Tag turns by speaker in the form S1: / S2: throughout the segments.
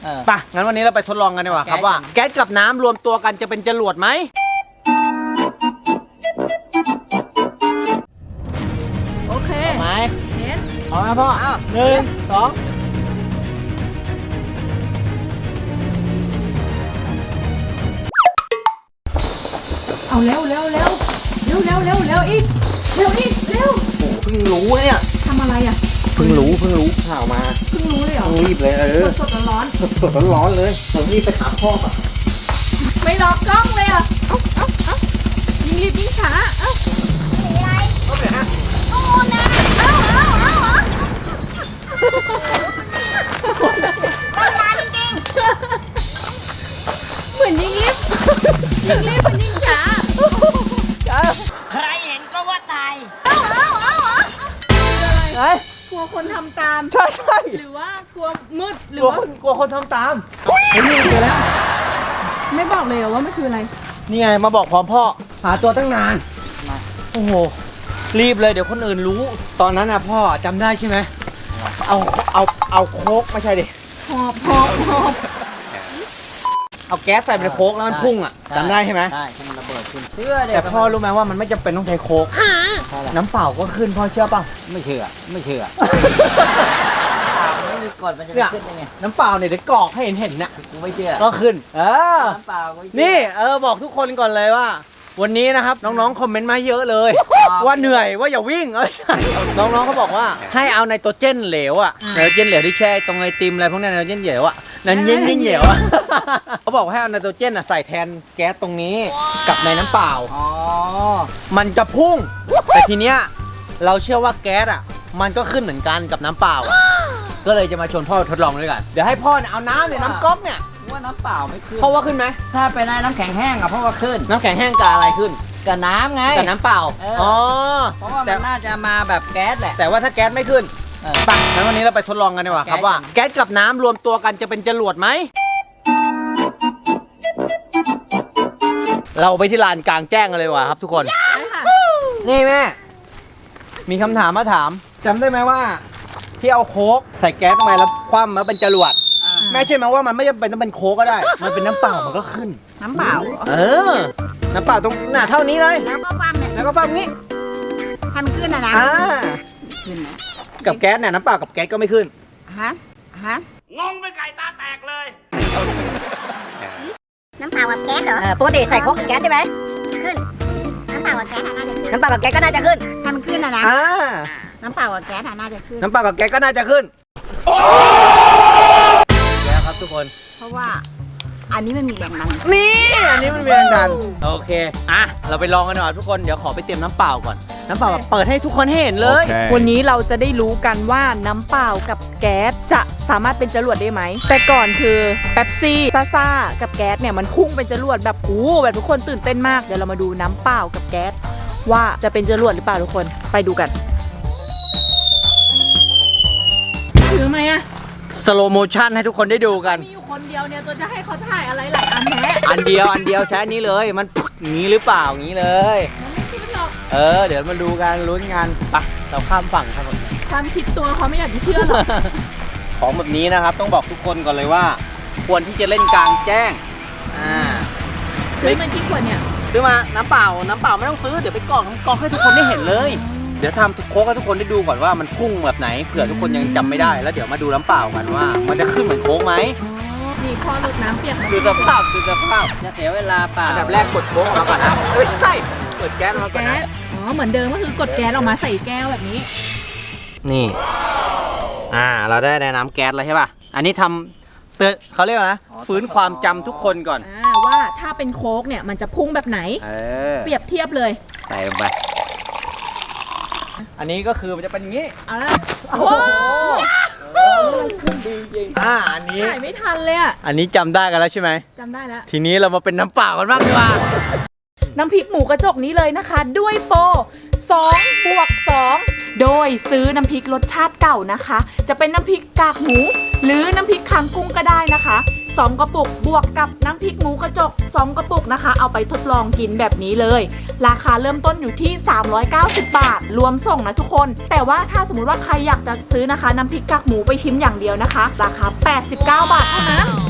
S1: ไปงั้นวันนี้เราไปทดลองกันดีกว่าครับว่าแก๊สกับน้ำรวมตัวกันจะเป็นจรวดไหม
S2: โอเค
S1: เอาไหม
S2: เห็น
S1: เอาไหมพ่อ1 2
S2: เอาเร็วอีกเร็ว
S1: โอ้เพิ่งรู้เนี่ย
S2: ทำอะไรอ่ะ
S1: เพิ่งรู้ข่าวมา
S2: เพิ่งรู้เลยเหรอ
S1: ต้องรีบเลย
S2: สดร้อน
S1: สดร้อนเลยเรารีบไปหาพ่อก่อน
S2: ไม่รอกล้องเลยอ่ะเอ้ายิ่งรีบยิ่งช้าเอ้า
S1: ก็ไปฮะ
S2: โอ้นะเอ้าเหมือนยิ่งรีบมันยิ่งช้า
S3: ใครเห็นก็ว่าตาย
S1: เฮ้ย
S2: กลัวคนทำตาม
S1: ใช่
S2: หรือว่ากลัวมืดหรื
S1: ก
S2: อ
S1: ลัว
S2: ว่า
S1: กลัวคนทำตามเฮ้ยนี่เจอแล้ว
S2: ไม่บอกเลยเหรอว่ามันคืออะไร
S1: นี่ไงมาบอกพร้อมพ่อหาตัวตั้งนานโอ้โหรีบเลยเดี๋ยวคนอื่นรู้ ตอนนั้นนะพ่อจำได้ใช่ไหมเอาโค้กไม่ใช่ดิ
S2: หอบ
S1: เอาแก๊สใส่ไปในโค้กแล้วมันพุ่งอ่ะจำได้ใช่ไหม
S3: ใช่ที่มันระเบิดขึ้นเชื่อเด็
S1: แต่พ่อรู้ไหมว่ามันไม่จำเป็นต้องใช้โค้กน้ำเปล่าก็ขึ้นพ่อเชื่อป่ะ
S3: ไม่เชื่อไม่มีกฎมันจะ
S1: เนี่ย
S3: ขึ้นยังไง
S1: น้ำเปล่าเนี่ยเดี๋ยวกรอกให้เห็นน่ะ
S3: กูไม่เชื่อ
S1: ก็ขึ้น
S3: น้ำเปล่าก็ไม่เชื่อ
S1: นี่บอกทุกคนก่อนเลยว่า วันนี้นะครับน้องๆคอมเมนต์มาเยอะเลย ว่าเหนื่อยว่าอย่าวิ่งใช่น้องๆเขาบอกว่าให้เอาไนโตรเจนเหลวอ่ะไนโตรเจนเหลวที่แช่ตรงไอติมอะไรพวกนั้นไนโตรเจนเหลวอ่ะนั่นยิ่งเหลวอ่ะเขาบอกให้เอาไนโตรเจนอ่ะใส่แทนแก๊สตรงนี้กับในน้ำเปล่า
S3: อ๋อ
S1: มันจะพุ่งแต่ทีเนี้ยเราเชื่อว่าแก๊สอ่ะมันก็ขึ้นเหมือนกันกับน้ำเปล่าก็เลยจะมาชวนพ่อทดลองด้วยกันเดี๋ยวให้พ่อเอาน้ำเนี่ยน้ำก๊อกเนี่ย
S3: ว่าน้ำเปล่าไม่ขึ้น
S1: พ่อว่าขึ้นไหม
S3: ถ้าเป็นน้ำแข็งแห้งอะเพราะว่าขึ้น
S1: น้ำแข็งแห้งกับอะไรขึ้น
S3: กับน้ำไง
S1: กับน้ำเปล่า อ๋อ
S3: เพราะว่ามันน่าจะมาแบบแก๊สแหละ
S1: แต่ว่าถ้าแก๊สไม่ขึ้นไปงั้นวันนี้เราไปทดลองกันดีกว่าครับว่าแก๊สกับน้ำรวมตัวกันจะเป็นจรวดไหม เราไปที่ลานกลางแจ้งกันเลยดีกว่าครับทุกคน
S2: ได้ค่ะ
S1: นี่แม่ มีคำถามมาถามจำได้ไหมว่า ที่เอาโค้กใส่แก๊สทำไมแล้วคว่ำแล้วเป็นจรวดแม่เชื่อไหมว่ามันไม่จำเป็นต้องเป็นโค้กก็ได้ มันเป็นน้ำเปล่ามันก็ขึ้น
S2: น้ำเปล่า
S1: น้ำเปล่าตรงหน้าเท่านี้เลย
S2: แล้วก็ฟังเนี่ย
S1: แล้วก็ฟังนี้
S2: ทำขึ้นนะ ขึ้นไหม
S1: กับแก๊สเนี่ยน้ำเปล่ากับแก๊สก็ไม่ขึ้น
S2: ฮะ
S4: น้ำเปล่ากับแก๊สเหรอ
S3: ปกติใส่โค้กกับแก๊สใช่ไหม
S4: ขึ้น น้ำเปล่ากับแก๊สน่าจะขึ้น
S3: น้ำเปล่ากับแก๊สก็น่าจะขึ้น
S2: ถ้ามันขึ้นนะ น้ำเปล่ากับแก๊สน่าจะขึ้น
S1: น้ำเปล่ากับแก๊สก็น่าจะขึ้นแล้วครับทุกคน
S2: เพราะว่าอันนี้มันมีแรงดัน
S1: นี่อันนี้มันมีแรงดันโอเคอ่ะเราไปลองกันหน่อยทุกคนเดี๋ยวขอไปเตรียมน้ำเปล่าก่อนน้ำเปล่าแบบเปิดให้ทุกคนให้เห็นเลย
S2: วันนี้เราจะได้รู้กันว่าน้ำเปล่ากับแก๊สจะสามารถเป็นจรวดได้ไหม แต่ก่อนคือเป๊ปซี่ซ่ากับแก๊สเนี่ยมันพุ่งเป็นจรวดแบบแบบทุกคนตื่นเต้นมากเดี๋ยวเรามาดูน้ำเปล่ากับแก๊สว่าจะเป็นจรวดหรือเปล่าทุกคนไปดูกันถือไหมอะ
S1: สโลโมชั่นให้ทุกคนได้ดูกัน
S2: มีอยู่คนเดียวเนี่ยตัวจะให้เขาถ่ายอะไรหลายอันแท้
S1: อันเดียวใช้อันนี้เลยมันอย่างนี้หรือเปล่าอย่างนี้เลย
S2: มันไม่ขึ้นหรอก
S1: เดี๋ยวมาดูกันลุ้นกันไปเราข้ามฝั่งครับผม
S2: ความคิดตัวเขาไม่อยากจะเชื่อหรอก
S1: ของแบบนี้นะครับต้องบอกทุกคนก่อนเลยว่า ควรที่จะเล่นกลางแจ้ง
S2: ซื้อมันที่ขวดเนี่ย
S1: ซื้อมาน้ำเปล่าไม่ต้องซื้อเดี๋ยวไปกรอกให้ทุกคนได้เห็นเลยเดี๋ยวทำโค้กให้ทุกคนได้ดูก่อนว่ามันพุ่งแบบไหนเผื่อทุกคนยังจำไม่ได้แล้วเดี๋ยวมาดูน้ำเปล่ากันว่า มันจะขึ้นเหมือนโค้กไหม
S2: นี่พอหลุดน้ำเปียก
S1: ดูสภาพ
S3: จะเสียเวลาเปล่า
S1: อันดับแรกกดโค้กออกมาก่อนนะไม่ใช่เปิดแก๊สออกมาก่อน
S2: แก๊
S1: นะ
S2: สเหมือนเดิมก็คือกดแก๊สออกมาใส่แก้วแบบนี้
S1: นี่เราได้น้ำแก๊สแล้วใช่ป่ะอันนี้ทำเตือนเขาเรียกว่านะฟื้นความจำทุกคนก่อน
S2: ว่าถ้าเป็นโค้กเนี่ยมันจะพุ่งแบบไหน เปรียบเทียบเลย
S1: ใส่ลงไปอันนี้ก็คือมันจะเป็นอย่างนี้
S2: โอ้โห
S1: ดีจริงอันนี้
S2: ถ่ายไม่ทันเลยอะ
S1: อันนี้จำได้กันแล้วใช่ไหม
S2: จำได้แล้ว
S1: ทีนี้เรามาเป็นน้ำเปล่ากันบ้างดีกว่า
S2: น้ำพริกหมูกระจกนี้เลยนะคะ ด้วยโปร2+2โดยซื้อน้ำพริกรสชาติเก่านะคะ จะเป็นน้ำพริกกากหมู หรือน้ำพริกคางกุ้งก็ได้นะคะ2กระปุกบวกกับน้ำพริกหมูกระจก2กระปุกนะคะเอาไปทดลองกินแบบนี้เลยราคาเริ่มต้นอยู่ที่390 บาทรวมส่งนะทุกคนแต่ว่าถ้าสมมติว่าใครอยากจะซื้อนะคะน้ำพริกกากหมูไปชิมอย่างเดียวนะคะราคา89 บาทเท่านั้น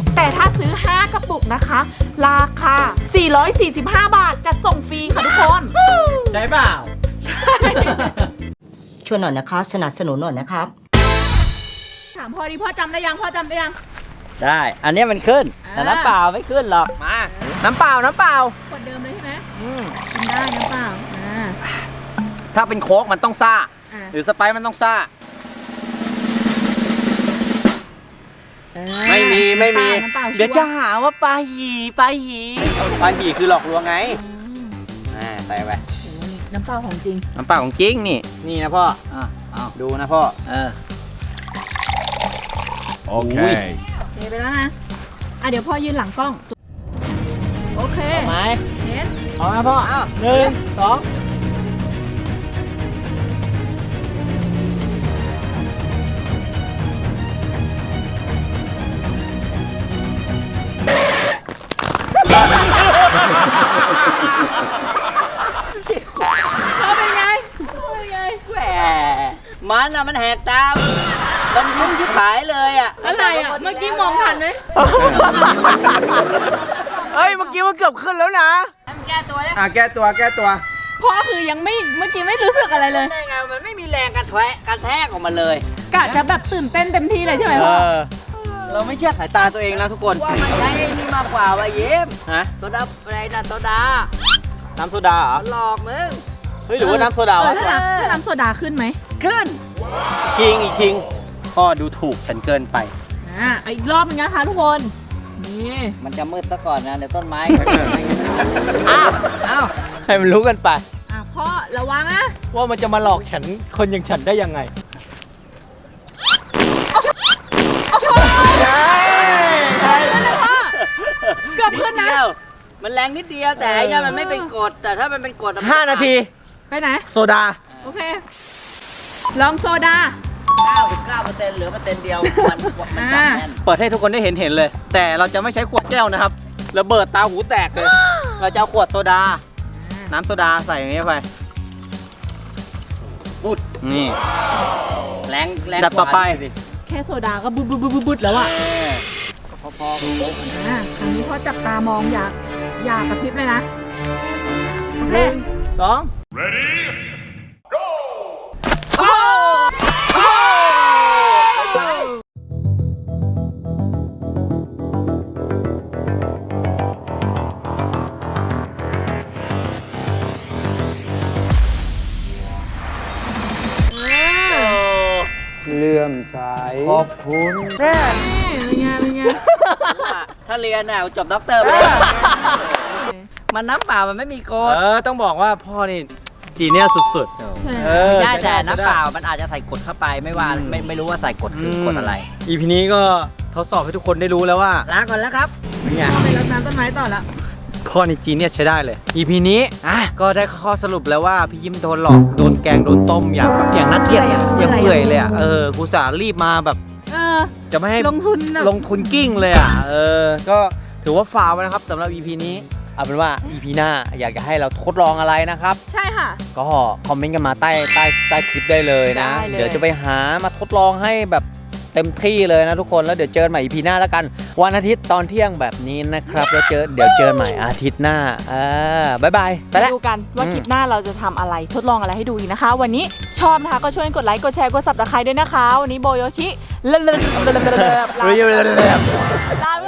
S2: ถ้าซื้อ 5 กระปุกนะคะ ราคา 445 บาทจัดส่งฟรีค่ะทุกคน
S1: ใช่เปล่า
S2: ใช่
S3: ช่วยหน่อยนะคะ สนับสนุนหน่อยนะครับ
S2: ถามพ่อดิพ่อจำได้ยังพ่อจำได้ยัง
S5: ได้ อันนี้มันขึ้น แต่น้ำเปล่าไม่ขึ้นหรอก
S1: มา น้ำเปล่า น้ำเปล่า
S2: ขวดเดิมเลยใช่ไหม
S1: อืม
S2: กินได้น้ำเปล่า
S1: ถ้าเป็นโค้กมันต้องซ่า
S2: อ่า
S1: หรือสไปซ์มันต้องซ่า ไม่มี ไม่มี
S2: น้ำเปล่า
S1: เดี๋ยวจะหาว่าปลาหีปลาหีปลาหีคือหลอกลวงไงใส่ไป
S2: น้ำเปล่าของจริง
S1: น้ำเปล่าของจริงนี่ นี่นะพ่อ
S5: เอา
S1: ดูนะพ่อ
S6: Okay.
S2: โอเคไปแล้วนะเดี๋ยวพ่อยืนหลังกล้อง โอเค
S1: เอาไหม
S2: เนส
S1: เอาไหมพ่อหนึ่งสอง
S2: พ่อเป็นไงพ่อเป็นไง
S5: แหมมันอะมันแหกตามมันยิ้มชิบหายเลยอะ
S2: อะไรอ่ะ เมื่อกี้มองทันไหม
S1: เฮ้ย เมื่อกี้มันเกือบขึ้นแล้วนะ
S5: แก้ตัวเนี่ย
S1: แก้ตัว แก้ตัว
S2: พ่อคือยังไม่ เมื่อกี้ไม่รู้สึกอะไรเลย
S5: ได้ไงมันไม่มีแรงกระแทกออกมาเลย
S2: กะจะแบบตื่นเต้นเต็มที่เลยใช่ไหมพ่อ
S1: เราไม่เชื่อสายตาตัวเองนะทุกคน
S5: ว่ามันใช้ไอ้นี่มากกว่าว่ะเย็บ
S1: ฮะ
S5: โซดาอะไรนะโซดา
S1: น้ำโซดาเหรอ
S5: มันหลอกมึง
S1: เฮ้ย หรือว่าน้ำโซดาวะ
S2: ถ้าน้ำโซดาขึ้นไหม
S5: ขึ้น
S1: อีกคิงพ่อดูถูกฉันเกินไป
S2: เอาอีกรอบนึงนะคะทุกคน นี่
S5: มันจะมืดซะก่อนนะเดี๋ยวต้นไม้
S1: อ้าว
S5: อ้าว
S1: ให้มันรู้กันไป
S2: พ่อระวังนะ
S1: ว่ามันจะมาหลอกฉัน คนอย่างฉันได้ยังไง
S2: เกือบขึ้นนะ
S5: ดเดียวมันแรงนิดเดียวแต่ไอ้เนี่ยมันไม่เป็นกรดแต่ถ้ามันเป็นกรดอะมั
S1: 5 นาที
S2: ไปไหน
S1: โซดา
S2: โอเค ลองโซดา
S5: 99%เหลือ%เดียวมันจับแน่น
S1: เปิดให้ทุกคนได้เห็นเลย แต่เราจะไม่ใช้ขวดแก้วนะครับระเบิดตาหูแตกเลย เราจะเอาขวดโซดา น้ำโซดาใส่อย่างนี้ไป
S5: ปุ๊ด
S1: นี่
S5: แรง
S1: ดับต่อไป
S2: แค่โซดาก็บุดบุดบุดบุดบุดแล้วอ่ะ
S5: พอๆกันเลย
S2: ครั้งนี้พ่อจับตามองอยากกระพริบเลยนะ โอเค
S1: สอง
S6: Ready? Go!
S7: เลื่อมใส
S1: ขอบคุณ
S2: นี่เป็นไงเป็นไง
S5: ถ้าเรียนน่ะจบด็อกเตอร์ไปแล้วมันน้ำเปล่ามันไม่มีกรด
S1: ต้องบอกว่าพ่อนี่จีเนียสสุดๆ
S5: ไม่ได้
S1: ใช้
S5: แต่น้ำเปล่า
S1: ใช้ได้
S5: มันอาจจะใส่กรดเข้าไปไม่ว่าไม่รู้ว่าใส่กรดคือกรดอะไร
S1: EP นี้ก็ทดสอบให้ทุกคนได้รู้แล้วว่า
S5: ลาก่อนแล้วครับ
S1: เป็นไง
S2: พ่อไปรดน้ำต้นไม้ต่อละ
S1: พ่อนี่จีเนียสใช้ได้เลย EP นี้ก็ได้ข้อสรุปแล้วว่าพี่ยิ้มโดนหลอก โดนแกง โดนต้มอย่างแบบอย่างนักเกียรติอย่างเปื่อยเลยอ่ะ กูสารีบมาแบบ จะไม่ให้
S2: ลงทุนนะ
S1: ลงทุนกิ้งเลยอ่ะ ก็ถือว่าฟาวล์นะครับสำหรับ EP นี้ เอาเป็นว่า EP หน้าอยากจะให้เราทดลองอะไรนะครับ
S2: ใช่ค่ะ
S1: ก็คอมเมนต์กันมาใต้คลิปได้เลยนะ
S2: ได้เลย
S1: เดี๋ยวจะไปหามาทดลองให้แบบเต็มที่เลยนะทุกคน แล้วเดี๋ยวเจอกันใหม่ EP หน้าแล้วกัน วันอาทิตย์ตอนเที่ยงแบบนี้นะครับแล้วเดี๋ยวเจอกันใหม่อาทิตย์หน้าบ๊ายบายไปแล้ว
S2: ดูกันว่าคลิปหน้าเราจะทำอะไรทดลองอะไรให้ดูอีกนะคะ วันนี้ชอบนะคะก็ช่วยกดไลค์กดแชร์กด Subscribe ด้วยนะคะ วันนี้โบโยชิลาไป